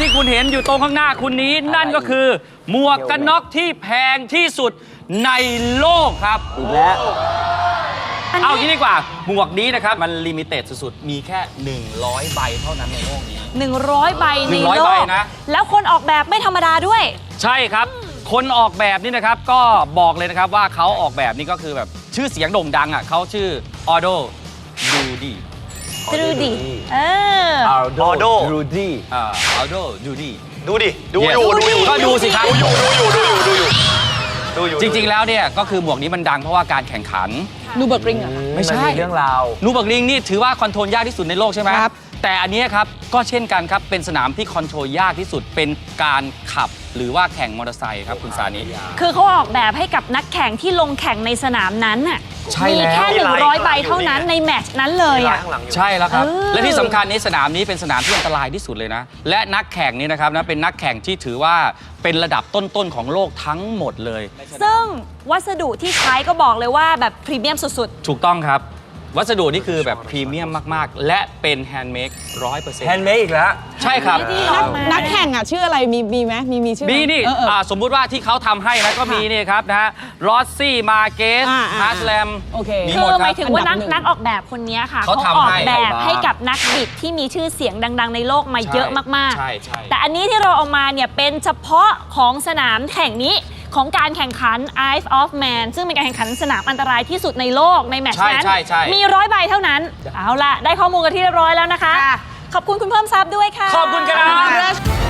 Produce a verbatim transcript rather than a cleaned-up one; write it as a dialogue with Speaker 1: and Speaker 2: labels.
Speaker 1: ที่คุณเห็นอยู่ตรงข้างหน้าคุณนี้นั่นก็คือหมวกกันน็อกที่แพงที่สุดในโลกครับอีกแล้วเอางี้ดีกว่าหมวกนี้นะครับมันลิมิเต็ดสุดๆมีแค่หนึ่งร้อยใบเท่านั้นในโลกนี้
Speaker 2: หนึ่งร้อยใบในโลก
Speaker 1: นะ
Speaker 2: แล้วคนออกแบบไม่ธรรมดาด้วย
Speaker 1: ใช่ครับคนออกแบบนี่นะครับก็บอกเลยนะครับว่าเขาออกแบบนี่ก็คือแบบชื่อเสียงโด่งดังอ่ะเขาชื่อออโดดูดี
Speaker 2: ดูดีเออ
Speaker 3: ออโดดูดี
Speaker 1: อ่าออโดดูดี
Speaker 3: ดูดิดูอยู่ดูอยู่
Speaker 1: ก็ดูสิครับ
Speaker 3: ดูอยู่ดูอยู่ดูอยู่ดูอยู่ดูอยู่
Speaker 1: จริงๆแล้วเนี่ยก็คือหมวกนี้มันดังเพราะว่าการแข่งขัน
Speaker 2: นูเบิร์กริงอ่ะ
Speaker 1: ไม่ใช่
Speaker 3: เรื่องราว
Speaker 1: นูเบิร์กริงนี่ถือว่าคอนโทรลยากที่สุดในโลกใช่ไหมครับแต่อันนี้ครับก็เช่นกันครับเป็นสนามที่คอนโทรลยากที่สุดเป็นการขับหรือว่าแข่งมอเตอร์ไซค์ครับคุณสานิ
Speaker 2: คือเขาออกแบบให้กับนักแข่งที่ลงแข่งในสนามนั้นน่ะมีแค่หนึ่งร้อยใบเท่านั้นในแมตช์นั้นเลยอ่ะ
Speaker 1: ใช่แล้วครับและที่สำคัญนี้สนามนี้เป็นสนามที่อันตรายที่สุดเลยนะและนักแข่งนี้นะครับนะเป็นนักแข่งที่ถือว่าเป็นระดับต้นๆของโลกทั้งหมดเลย
Speaker 2: ซึ่งวัสดุที่ใช้ก็บอกเลยว่าแบบพรีเมียมสุด
Speaker 1: ๆถูกต้องครับวัสดุนี่คือแบบพรีเมียมมากๆและเป็นแฮนด์เมดร้อยเปอร์เซ็นต์
Speaker 3: แฮนด์เมดอีกแล้ว
Speaker 1: ใช่ครับ
Speaker 4: นักแข่งอ่ะชื่ออะไรมีมีไหมมีมีชื่อ
Speaker 1: มีนี่สมมุติว่าที่เขาทำให้นะก็มีนี่ครับนะฮะรอสซี่มาเกสฮาร์สแลม
Speaker 2: คือหมายถึงว่านักนักออกแบบคนนี้ค่ะเขาออกแบบให้กับนักบิดที่มีชื่อเสียงดังๆในโลกมาเยอะมากๆแต่อันนี้ที่เราเอามาเนี่ยเป็นเฉพาะของสนามแข่งนี้ของการแข่งขัน Isle of Man ซึ่งเป็นการแข่งขันสนามอันตรายที่สุดในโลกในแมตช์นั้นมีร้อยใบเท่านั้นเอาล่ะได้ข้อมูลกันที่เรียบร้อยแล้วนะคะขอบคุณคุณเพิ่มทรัพย์ด้วยค่ะ
Speaker 1: ขอบคุณครับ